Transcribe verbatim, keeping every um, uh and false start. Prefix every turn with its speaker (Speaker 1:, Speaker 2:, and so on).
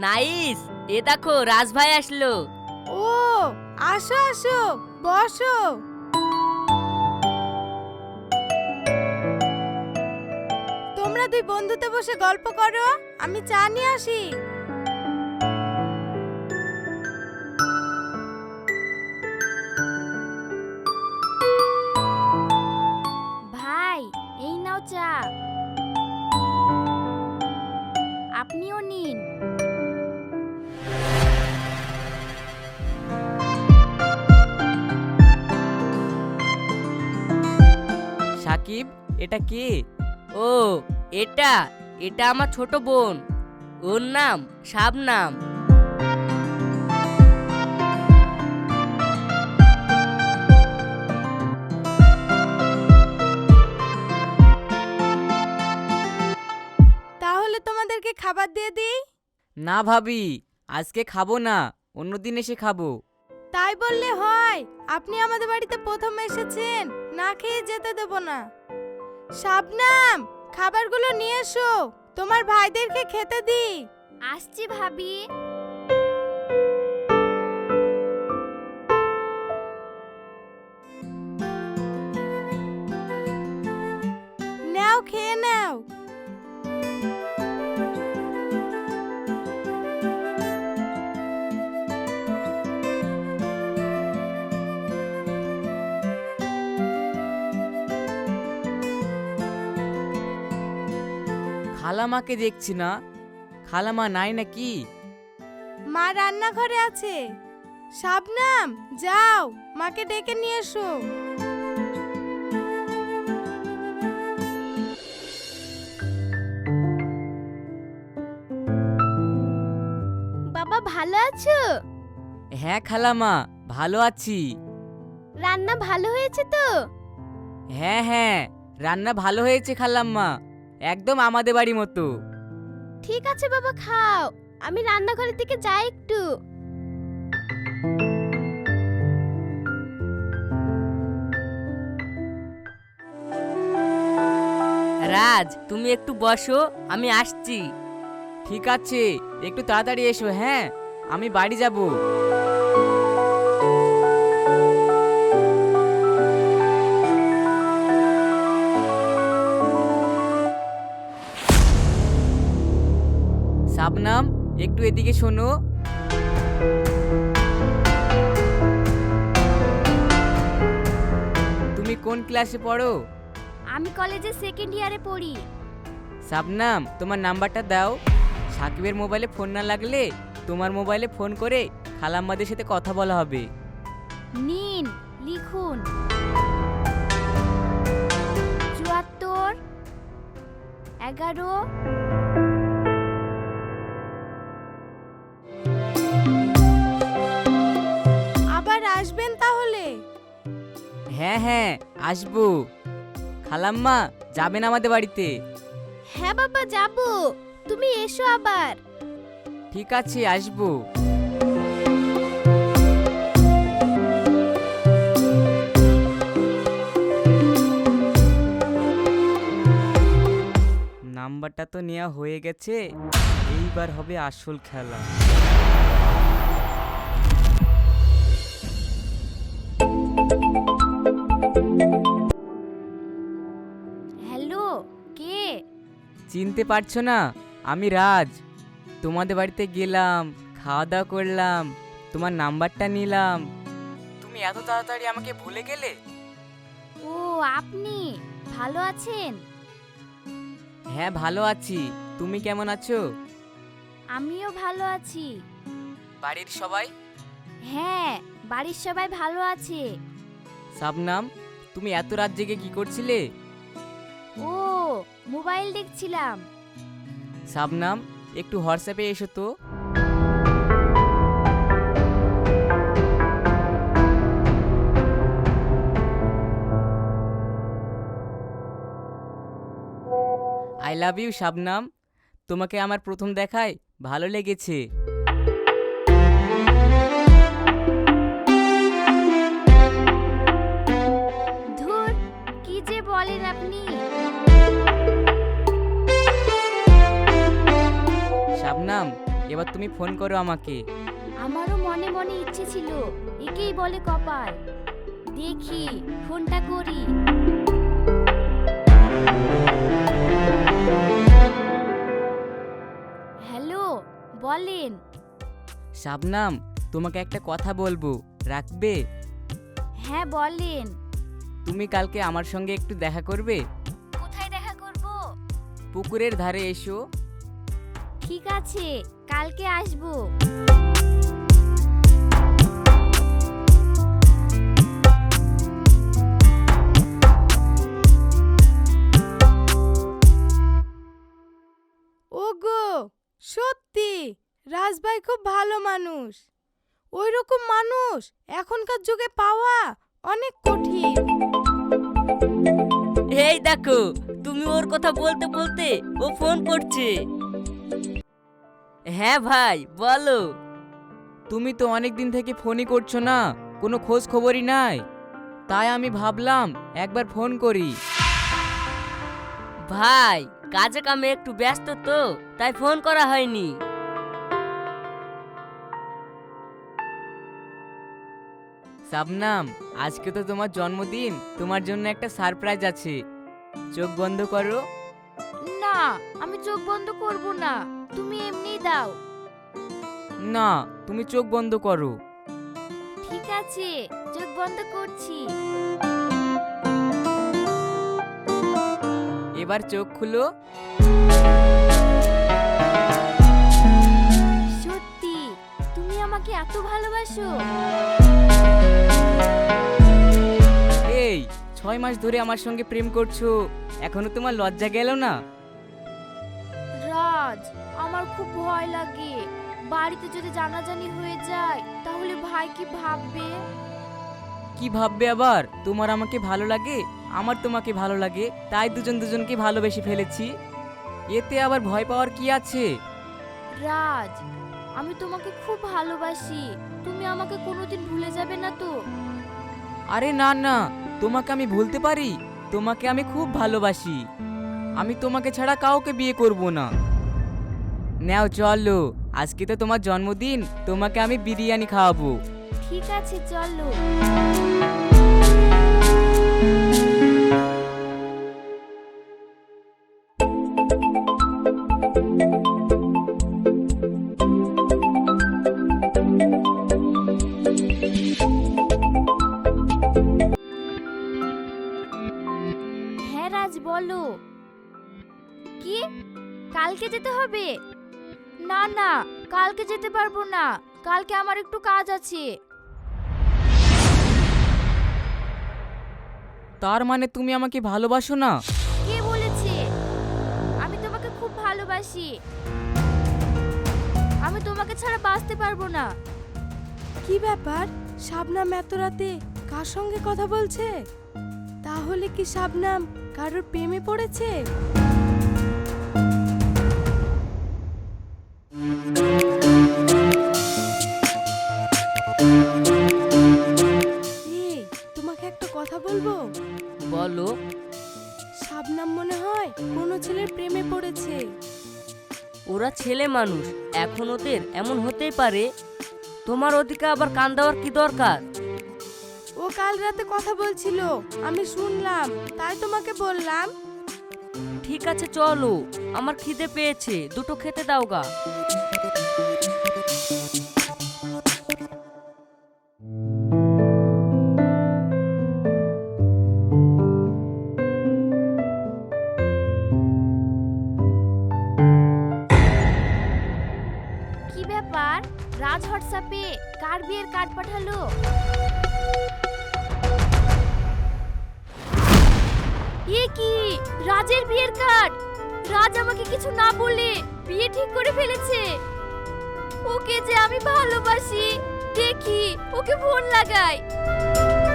Speaker 1: Nice. এ দেখো রাজ ভাই আসলো।
Speaker 2: ও আসো আসো, বসো। তোমরা দুই বন্ধুতে বসে গল্প করো, আমি চা নিয়ে আসি।
Speaker 3: ভাই এই নাও চা, আপনিও নিন।
Speaker 4: সাকিব, এটা কে?
Speaker 1: ও এটা এটা আমার ছোট বোন, ওর নাম শাবনাম।
Speaker 2: তাহলে তোমাদেরকে খাবার দিয়ে দিই।
Speaker 4: না ভাবি, আজকে খাবো না, অন্যদিন এসে খাবো।
Speaker 2: তাই বললে হয়? আপনি আমাদের বাড়িতে প্রথম এসেছেন, না খেয়ে যেতে দেব না। শাবনাম, খাবারগুলো নিয়ে এসো, তোমার ভাইদেরকে খেতে দিই।
Speaker 3: আসছি ভাবি।
Speaker 2: নাও, খেয়ে নাও।
Speaker 4: খালামাকে দেখছি না, খালামা নাই নাকি?
Speaker 2: মা রান্নাঘরে আছে। শাবনাম, যাও মাকে ডেকে নিয়ে এসো।
Speaker 3: বাবা ভালো আছো?
Speaker 4: হ্যাঁ খালামা, ভালো আছি।
Speaker 3: রান্না ভালো হয়েছে তো?
Speaker 4: হ্যাঁ হ্যাঁ, রান্না ভালো হয়েছে খালাম্মা, একদম আমাদের বাড়ি মতো।
Speaker 3: ঠিক আছে বাবা, খাও। আমি রান্নাঘরের দিকে যাই একটু।
Speaker 1: রাজ তুমি একটু বসো, আমি আসছি।
Speaker 4: ঠিক আছে, একটু তাড়াতাড়ি এসো। হ্যাঁ, আমি বাড়ি যাব। শাবনাম, একটু এদিকে শোনো। তুমি কোন ক্লাসে পড়ো?
Speaker 3: আমি কলেজে সেকেন্ড ইয়ারে পড়ি।
Speaker 4: শাবনাম, তোমার নাম্বারটা দাও। সাকিবের মোবাইলে ফোন না লাগলে তোমার মোবাইলে ফোন করে খালাম্মাদের সাথে কথা বলা হবে।
Speaker 3: নিন, লিখুন। চুয়াত্তর এগারো।
Speaker 2: আবার আসবেন তাহলে?
Speaker 4: হ্যাঁ হ্যাঁ, আসবো। খালাম্মা, যাবেন আমাদের বাড়িতে?
Speaker 3: হ্যাঁ বাবা যাব, তুমি এসো আবার।
Speaker 4: ঠিক আছে, আসবো। নাম্বারটা তো নেওয়া হয়ে গেছে, এইবার হবে আসল খেলা।
Speaker 3: হ্যালো, কে?
Speaker 4: চিনতে পারছো না? আমি রাজ। তোমাদের বাড়িতে গেলাম, খাওয়া দাওয়া করলাম, তোমার নাম্বারটা নিলাম। তুমি এত তাড়াতাড়ি আমাকে ভুলে গেলে?
Speaker 3: ও আপনি ভালো আছেন?
Speaker 4: হ্যাঁ ভালো আছি, তুমি কেমন আছো?
Speaker 3: আমিও ভালো আছি।
Speaker 4: বাড়ির সবাই?
Speaker 3: হ্যাঁ, বাড়ির সবাই ভালো আছে।
Speaker 4: শাবনাম, তুমি এত রাত জেগে কি করছিলে?
Speaker 3: ও মোবাইল দেখছিলাম।
Speaker 4: শাবনাম, একটু হোয়াটসঅ্যাপে এসো তো। আই লাভ ইউ শাবনাম, তোমাকে আমার প্রথম দেখায় ভালো লেগেছে।
Speaker 3: ধুর, কি যে বলেন আপনি।
Speaker 4: শাবনাম, এবার তুমি ফোন করো আমাকে।
Speaker 3: আমারও মনে মনে ইচ্ছে ছিল, একেই বলে কপাল। দেখি ফোনটা করি। হ্যালো, বলেন।
Speaker 4: শাবনাম, তোমাকে একটা কথা বলবো, রাখবে?
Speaker 3: হ্যাঁ বলেন।
Speaker 4: তুমি কালকে আমার সঙ্গে একটু দেখা করবে?
Speaker 3: কোথায় দেখা করব?
Speaker 4: পুকুরের ধারে এসো।
Speaker 3: ঠিক আছে, কালকে আসবো।
Speaker 2: ওগো, সত্যি রাজভাই খুব ভালো মানুষ। ওই রকম মানুষ এখনকার যুগে পাওয়া অনেক কঠিন।
Speaker 1: এই দেখো, তুমি ওর কথা বলতে বলতে ও ফোন করছে। হ্যাঁ ভাই, বলো।
Speaker 4: তুমি তো অনেক দিন থেকে ফোনই করছো না, কোনো খোঁজ খবরই নাই। তাই আমি ভাবলাম একবার ফোন করি।
Speaker 1: ভাই, কাজে কামে একটু ব্যস্ত তো, তাই ফোন করা হয়নি।
Speaker 4: শাবনাম, আজকে তো তোমার জন্মদিন, তোমার জন্য একটা সারপ্রাইজ আছে। চোখ বন্ধ করো।
Speaker 3: না, আমি চোখ বন্ধ করব না, তুমি এমনিই দাও।
Speaker 4: না, তুমি চোখ বন্ধ করো।
Speaker 3: ঠিক আছে, চোখ বন্ধ করছি।
Speaker 4: এবার চোখ খুলো।
Speaker 3: সত্যি তুমি আমাকে এত ভালোবাসো?
Speaker 4: এই, ছয় মাস ধরে আমার সঙ্গে প্রেম করছো, এখনো তোমার লজ্জা গেল না?
Speaker 3: রাজ, আমার খুব ভয় লাগে। বাড়িতে যদি জানাজানি হয়ে যায় তাহলে ভাই কি ভাববে?
Speaker 4: কি ভাববে আবার? তোমার আমাকে ভালো লাগে, আমার তোমাকে ভালো লাগে, তাই দুজন দুজনকে ভালোবেসে ফেলেছি। এতে আবার ভয় পাওয়ার কি আছে?
Speaker 3: রাজ, আমি তোমাকে খুব ভালোবাসি। তুমি আমাকে কোনোদিন ভুলে যাবে না তো?
Speaker 4: আরে না না, তোমাকে আমি ভুলতে পারি? তোমাকে আমি খুব ভালোবাসি। আমি তোমাকে ছাড়া কাউকে বিয়ে করব না। নাও চলো, আজকে তো তোমার জন্মদিন, তোমাকে আমি বিরিয়ানি খাওয়াবো।
Speaker 3: ঠিক আছে, চলো। হ্যাঁ রাজ, বলো। কি, কালকে যেতে হবে? না না, কালকে যেতে পারবো না, কালকে আমার একটু কাজ আছে।
Speaker 4: তার মানে তুমি আমাকে ভালোবাসো না?
Speaker 3: কে বলেছে? আমি তোমাকে খুব ভালোবাসি। আমি তোমাকে ছাড়া বাঁচতে পারবো না।
Speaker 2: কি ব্যাপার, শাবনাম এত রাতে কার সঙ্গে কথা বলছে? তাহলে কি শাবনাম কারোর প্রেমে পড়েছে? এই, তোমাকে একটা কথা বলবো।
Speaker 1: বলো।
Speaker 2: শাবনাম মনে হয় কোনো ছেলের প্রেমে পড়েছে।
Speaker 1: ওরা ছেলে মানুষ, এখন ওদের এমন হতেই পারে। তোমার ওদিকে আবার কান দেওয়ার কি দরকার?
Speaker 2: ও কাল রাতে কথা বলছিল, আমি শুনলাম, তাই তোমাকে বললাম।
Speaker 1: ঠিক আছে চলো, আমার খিদে পেয়েছে, দুটো খেতে দাও গা।
Speaker 3: কি ব্যাপার, রাজ হোয়াটসঅ্যাপে কার বিয়ের কার্ড পাঠালো? এ কি, রাজের বিয়ের কার্ড! রাজ আমাকে কিছু না বলে বিয়ে ঠিক করে ফেলেছে। ওকে যে আমি ভালোবাসি। দেখি, ওকে ফোন লাগাই।